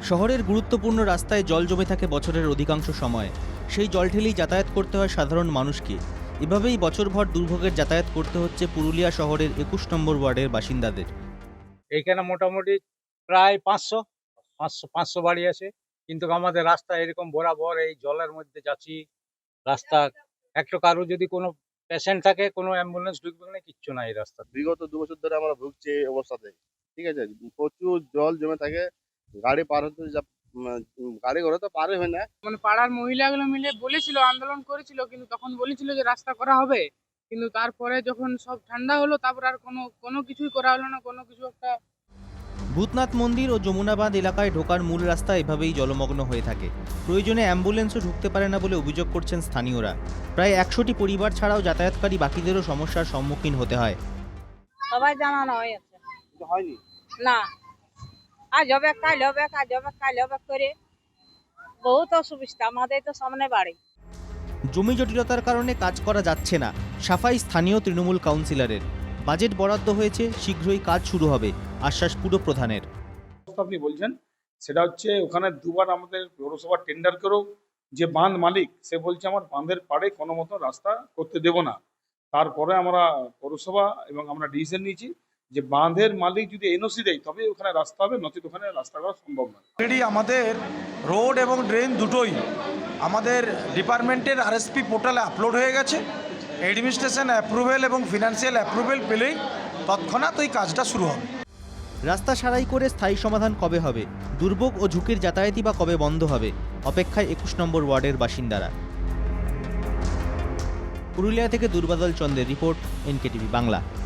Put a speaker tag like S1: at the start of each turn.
S1: শহরের গুরুত্বপূর্ণ রাস্তায় জল জমে থাকে বছরের অধিকাংশ সময়। সেই জল ঠেলেই যাতায়াত করতে হয় সাধারণ মানুষকে। এভাবেই বছরভর দুর্ভোগের যাতায়াত করতে হচ্ছে পুরুলিয়া শহরের ২১ নম্বর ওয়ার্ডের বাসিন্দাদের।
S2: এইখানে মোটামুটি প্রায় 500 বাড়ি আছে, কিন্তু আমাদের রাস্তা এরকম বরাবর এই জলের মধ্যে যাচ্ছি। রাস্তা একটু কারো যদি কোনো পেশেন্ট থাকে, কোনো অ্যাম্বুলেন্স ঢুকবে না, কিচ্ছু নাই রাস্তা।
S3: বিগত ২ বছর ধরে আমরা ভুগছি এই অবস্থাতে। ঠিক আছে, প্রচুর জল জমে থাকে, গাড়ি পার হতে গাড়ি ঘোড়া তো পারে হয় না।
S4: মানে পাড়ার মহিলাগুলো মিলে বলেছিল, আন্দোলন করেছিল, কিন্তু তখন বলেছিল যে রাস্তা করা হবে, কিন্তু তারপরে যখন সব ঠান্ডা হলো তারপর আর কোনো কিছুই করা হলো না। কোনো কিছু একটা
S1: ভূতনাথ মন্দির ও যমুনাবাঁধ এলাকায় ঢোকার মূল রাস্তা এভাবেই জলমগ্ন হয়ে থাকে। প্রয়োজনে অ্যাম্বুলেন্সও ঢুকতে পারে না বলে অভিযোগ করছেন স্থানীয়রা। প্রায় ১০০টি পরিবার ছাড়াও যাতায়াতকারী বাকিদেরও সমস্যার সম্মুখীন হতে হয়।
S5: সবাই জানানো হয়েছে,
S3: হয়নি
S5: না আজ হবে কাল হবে, কাজ হবে কাল হবে করে বহুত অসুবিধা। আমাদের তো সামনে বাড়ি,
S1: জমি জটিলতার কারণে কাজ করা যাচ্ছে না, সাফাই স্থানীয় তৃণমূল কাউন্সিলরের। বাজেট বরাদ্দ হয়েছে, শীঘ্রই কাজ শুরু হবে, আশ্বাস পুরপ্রধানের।
S6: আপনি বলছেন সেটা হচ্ছে ওখানে দুবার আমাদের পৌরসভা টেন্ডার করেও যে বাঁধ মালিক সে বলছে আমার বাঁধের পাড়ে কোনো মতো রাস্তা করতে দেব না। তারপরে আমরা পৌরসভা এবং আমরা ডিসিশন নিয়েছি যে বাঁধের মালিক যদি এনওসি দেয় তবে ওখানে রাস্তা হবে, নচেত ওখানে রাস্তা করা সম্ভব নয়।
S7: অলরেডি আমাদের রোড এবং ড্রেন দুটোই আমাদের ডিপার্টমেন্টের আরএসপি পোর্টালে আপলোড হয়ে গেছে। অ্যাডমিনিস্ট্রেশন অ্যাপ্রুভেল এবং ফিনান্সিয়াল অ্যাপ্রুভেল পেলেই তৎক্ষণাৎ ওই কাজটা শুরু হবে।
S1: রাস্তা সারাই করে স্থায়ী সমাধান কবে হবে, দুর্ভোগ ও ঝুঁকির যাতায়াতই বা কবে বন্ধ হবে, অপেক্ষায় ২১ নম্বর ওয়ার্ডের বাসিন্দারা। পুরুলিয়া থেকে দুর্বাদল চন্দ্রের রিপোর্ট, এনকেটিভি বাংলা।